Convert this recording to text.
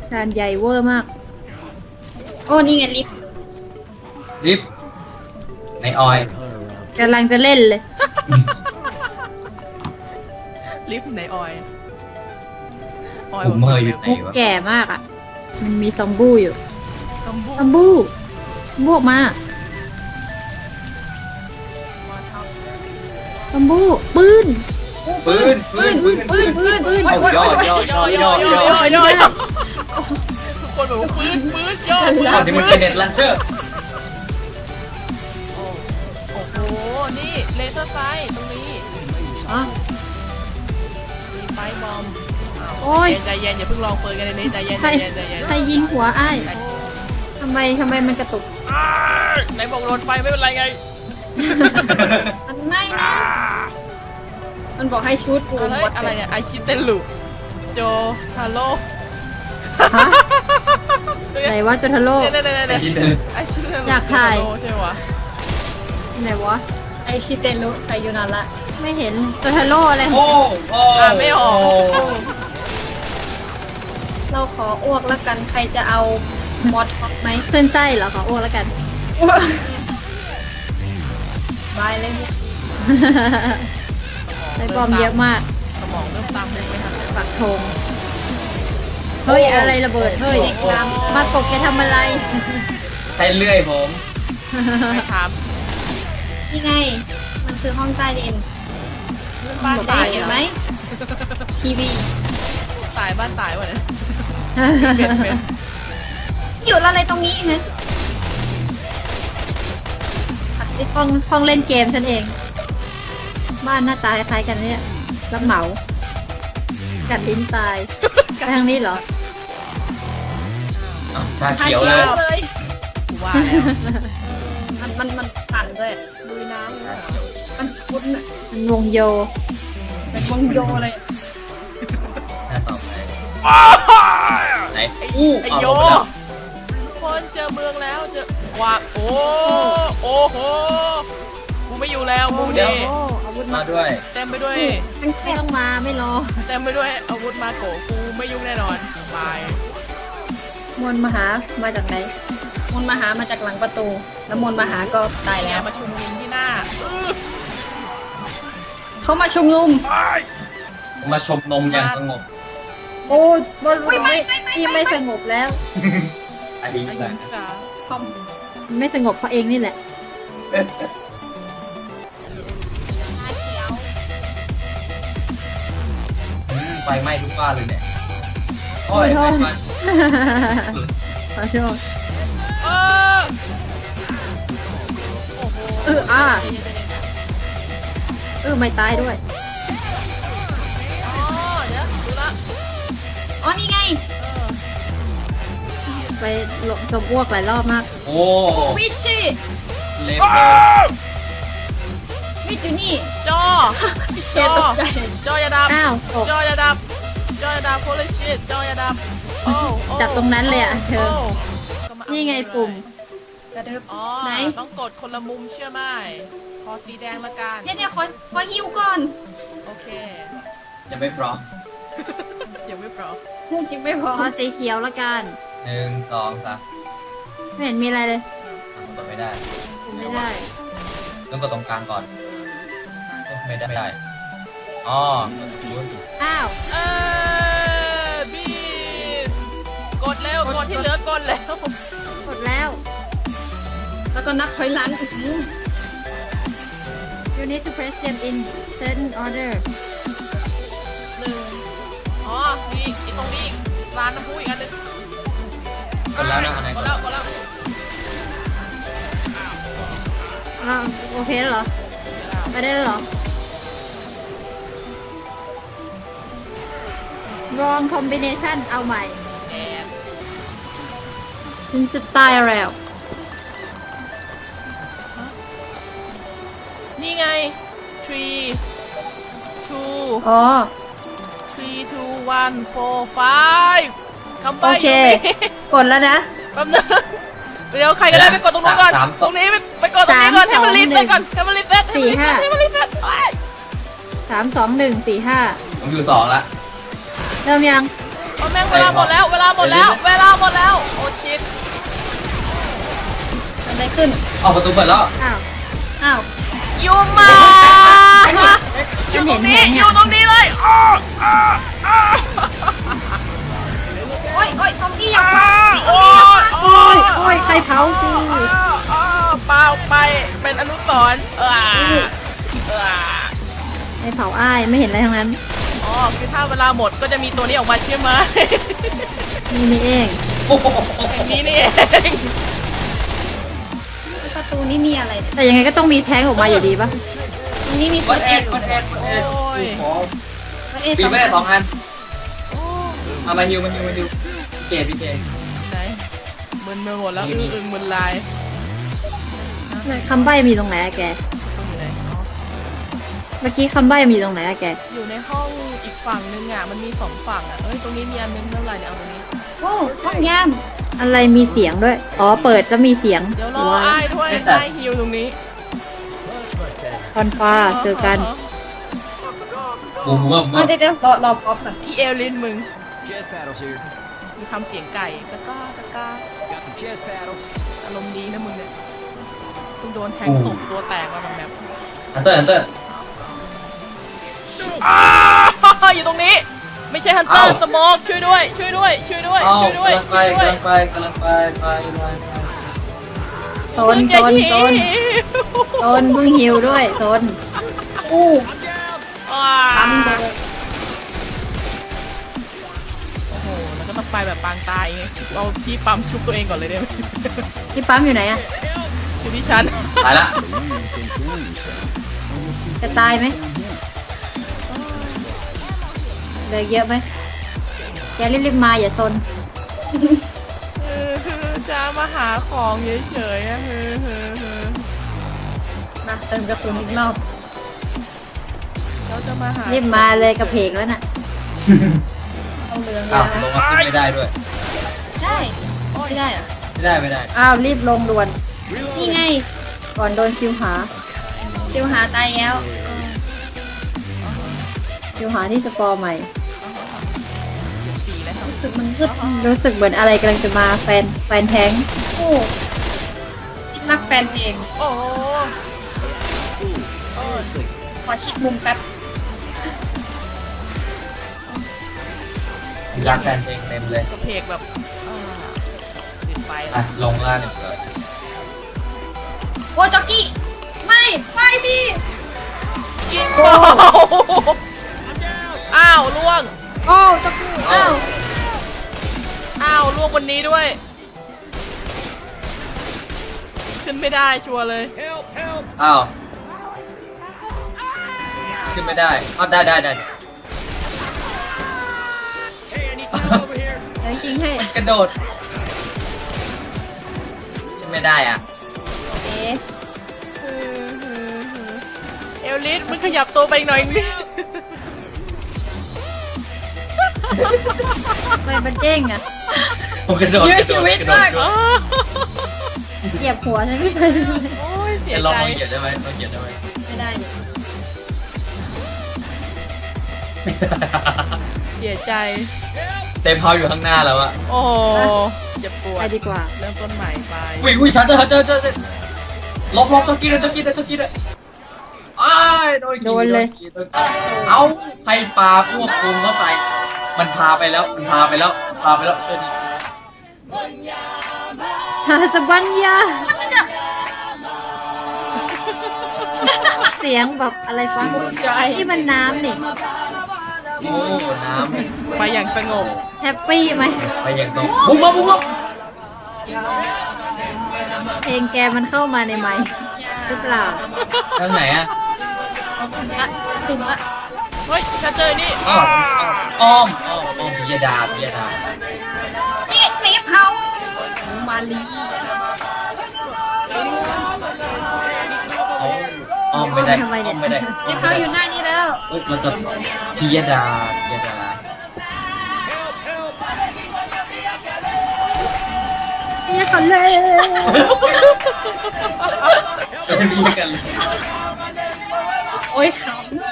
ด่านใหญ่เวอร์มากโอ้นี่ไงลิฟต์ลิฟต์ในออยกำลังจะเล่นเลยลิฟต์ไหนออยออยผมเมย์อยู่ไหนมุกวะแก่มากอ่ะ มันมีซอมบูอยู่ซอมบูซอมบูบวกมามาทซอมบูปืนปืนเอาย่อย่อย่อย่อทุกคนแบบว่าปืนย่อตอนนี้มันเป็นเน็ตลันเชอร์โอ้โหนี่เลเซอร์ไฟตรงนี้อ๋อมีไฟบอมโอ้ยใจเย็นอย่าเพิ่งลองเปิดกันเลยใจเย็นใครใจเย็นใครยิงหัวอ้ายทำไมมันกระตุกไหนบอกโดนไฟไม่เป็นไรไงมันไม่นะมันบอกให้ชุดฟูอะไรเนี่ยไอชิเตลูโจฮาโลฮะ ไหนว่าโจทาโร่เนี่ยชิ้นหนึ่งไอชิเตลูอยากถ่ายใช่ไหมวะไหนวะไอชิเตนรุไซยูนาระไม่เห็นโจทาโร่อะไรโอ้โอ้ไม่ออกเราขออ้วกแล้วกันใครจะเอามอสท็อปไหมขึ้นไส้เหรอขออ้วกแล้วกันบายเลยไส้บอมเยอะมากสมองเริ่มตามเลยไม่ทันปักธงเฮ้ยอะไรระเบิดเฮ้ยมากบแกทำอะไรใช้เลื่อยผมไม่ถามนี่ไง มันคือห้องใต้ดินบ้านได้ตายเห็นไหไหมมทีวีตายบ้านตายวะเนี่ยเป็นอยู่อะไรตรงนี้ฮะห้องเล่นเกมฉันเอง บ้านหน้าตาคล้ายๆกันเนี่ยรับเหมา กัดลิ้นตายไปทางนี้เหรอชาเขียวเลยเลยว่าแล้วมันปั่นด้วยลุยน้ำเลยเหรอมันชุดน่ะมันวงโยเป็นวงโยเลยหน้าต่อไปไหนไอ้อู้ไอ้เอาโยลงไปแล้วทุกคนเจอเมืองแล้วเจอว่าโอ้โหกูไม่อยู่แล้วกูโอ้นี่โหอาวุธมามาด้วยเต็มไปด้วยไม่ต้องมาไม่รอเต็มไปด้วยอาวุธมาโกกูไม่ยุ่งแน่นอนบายมนต์มหามาจากไหนมนต์มาหามาจากหลังประตู แล้วมนต์มาหาก็ตายไงแล้วมาชุมนุมที่หน้าเขามาชุมนุมมาชมนมอย่างสงบโอ้บนอุ๊ยไม่ที่ไม่สงบแล้วอดีไอ้สัหินงสาคอมมันไม่สงบเพราะเองนี่แหละไฟไหม้ทุกบ้านเลยเนี่ยโอ้ยโทษไฟไหม้ขอโทษเออโอ้โหไม่ตายด้วยอ๋อเดี๋ยวดูละอ๋อนี่ไงไปหลบจมอ้วกหลายรอบมากโอ้โอ้วิชชี่เล็บเลยวิชอยู่นี่จอเชฟตกใจจออย่าดับอ้าวตกจออย่าดับจออย่าดับโคลชิตจออย่าดับโอ้จับตรงนั้นเลยอะเธอ นี่ไงปุ่มกระดึบอ๋อไหนต้องกดคนละมุมเชื่อไหมคอสีแดงละกันเนี่ยขอฮิวก่อนโอเคยังไม่พร้อมยังไม่พร้อมพูดจริงไม่พอเอาสีเขียวละกัน 1 2 3 ไม่เห็นมีอะไรเลยทำกดไม่ได้ไม่ได้ต้องกดตรงกลางก่อนไม่ได้อ๋ออ้าวบีกดเร็วกดที่เหลือกดแล้วกดแล้วแล้วก็นับถอยหลัง you need to press them in certain order หนึ่งอ๋อมีอีกตรงนี้อีกร้านน้ำพุอีกอันหนึงกดแล้วนะอันไหนกกดดแล้วกดแล้วอ้าวโอเคแล้วเหรอ ไปได้แล้วเหรอ wrong combination เอาใหม่แอนฉันจะตายแล้วนี่ไง three two อ๋อ three two one four five คำใบ้โอเคอยู่นี่กดแล้วนะแป๊บนึงเดี๋ยวใครก็ได้ไปกดตรงนู้นก่อน ตรงนี้ไปกดตรงนี้ก่อนให้มันรีเซ็ตก่อนให้มันรีเซ็ตให้มันรีเซ็ตให้มันรีเซ็ตโอ๊ย 3 2 1 4 5 ผมอยู่2ละเริ่มยังโอ้แม่งเวลาหมดแล้วเวลาหมดแล้วเวลาหมดแล้วโอ้ชิตอะไรขึ้นเอาประตูเปิดแล้วอ้าว อ้าวยูมาอยู่ตรงนี้อยู่ตรงนี้เลยโอ้ยโอ้ยซอมบี้อยากมาโอ้ยโอ้ยโอ้ยใครเผากูเปล่าไปเป็นอนุสรณ์ใครเผาอ้ายไม่เห็นอะไรทั้งนั้นอ๋อคือถ้าเวลาหมดก็จะมีตัวนี้ออกมาใช่ไหมนี่เองโอ้โหอย่างนี้นี่เองประตูนี่มีอะไรเนี่ยแต่ยังไงก็ต้องมีแท้งออกมาอยู่ดีปะตรงนี้มีวัเฟิดร์สแอเอ็ดดวัดแอดวัดแอดโอ้ยเฟิร์สเอ็ดปีสองไม่ได้2 อันโอ้มาฮิวเกตพี่เกตไหนมึนไปหมดแล้วอึ้งมึนลายคำใบ้มีตรงไหนอะแกต้องอยู่ไหนอ๋อเมื่อกี้คำใบ้มีตรงไหนอะแกอยู่ในห้องอีกฝั่งนึงอ่ะมันมี2 ฝั่งอ่ะเอ้ยตรงนี้มีอันนึงเท่าไหร่เนี่ยเอาตรงนี้โอ้ห้องย่ามอะไรมีเสียงด้วย อ๋อ เปิดแล้วมีเสียงเดี๋ยวรออ้ายด้วยอ้ายฮิวตรงนี้คอนฟ้าเจอกันบูมบูมเดี๋ยวรอป๊อปก่อนอีเอลลินมึง Jazz paddles here. มีทำเสียงไก่ตะก้าตะก้า Got some jazz paddles. อารมณ์ดีนะมึงเนี่ยมึงโดนแทงตกตัวแตกมาแบบอันเตอร์อยู่ตรงนี้ ไม่ใช่ฮันเตอร์สโมกช่วยด้วยช่วยด้วยช่วยด้วยเอาช่วยด้วยกำลังไปช่วยด้วยกำลังไปโซนโซนโซนโซนเพิ่งหิวด้วยโซนอู้ปั๊ปั๊มมเลยโอ้โหแล้วก็ต้องไปแบบปางตายไงเอาที่ปั๊มชุบตัวเองก่อนเลยได้ไหมที่ปั๊มอยู่ไหนอะอยู่ที่ฉันตายละจะตายไหมเหลือเยอะไหมแกรีบๆมาอย่าซนจะมาหาของเฉยๆอะมาเติมกระสุนอีกรอบเราจะมาหารีบมาเลยกระเพกแล้วน่ะเอาเรืองอ้าวนะลงมาขึ้นไม่ได้ด้วยได้ไม่ได้เหรอไม่ได้อ้าวรีบลงด่วนนี่ไงก่อนโดนชิวหาชิวหาตายแล้วชิวหาที่สปอร์ใหม่สีแล้วครับรู้สึกมันกึดรู้สึกเหมือนอะไรกำลังจะมาแฟนแท้งอู้รักแฟนเองโอ้โห Seriously. ขอชิดมุมแป๊บรักแฟนเพลงเต็มเลยกระเพกแบบติดไฟแล้อ่ะวลงล่าหนึ่งเลยโอ้ยจ็อกกี้ ไม่ไปดิยิงเบาอ้าวล่วงโอ้จ็อกกี้อ้าวอ้าวล่วงวันนี้ด้วย ขึ้นไม่ได้ชัวร์เลย Help, help. อ้าวขึ้นไม่ได้อ้าวได้ Hey, I need some help over here. เดี๋ยวจริงๆให้กระโดดขึ้นไม่ได้อ่ะเอ๊ะเอลลิสมึงขยับตัวไปอีกหน่อยนิทำไมมันเด้งอะผมกระโดดเหยียบหัวฉันไม่ไปโอ้ยเสียจะลองใจเหยียบได้ไหมลองเหยียบได้ไหมไม่ได้ดิเสียใจเต็มเท้าอยู่ข้างหน้าแล้วอะโอ้โหอย่าปวไปดดีกว่าเริ่มต้นใหม่ไปอุ้ยชัดเจอลบต้องกินเลยอ้ายโดนเอ้าใครปลาพวกคุมเข้าไปมันพาไปแล้วช่วยดิฮาสบัญญาเสียงแบบอะไรฟังใจนี่มันน้ำนี่โอ้น้ำไปอย่างสงบแฮปปี้ไหมไปอย่างตรงบุ้มมาเพลงแกมันเข้ามาในไมค์หรือเปล่าทางไหนอะสุ่มละเฮ้ยฉันเจอนี่อ้อมพิยดานี่เซฟเฮามาลีอ้อมไม่ได้ทำไมเนี่ยไม่ได้เซฟเฮาอยู่หน้านี้แล้วเราจะพิยดาเนี่ยก่อนเลยเรียกกันเลยโอ้ยขำ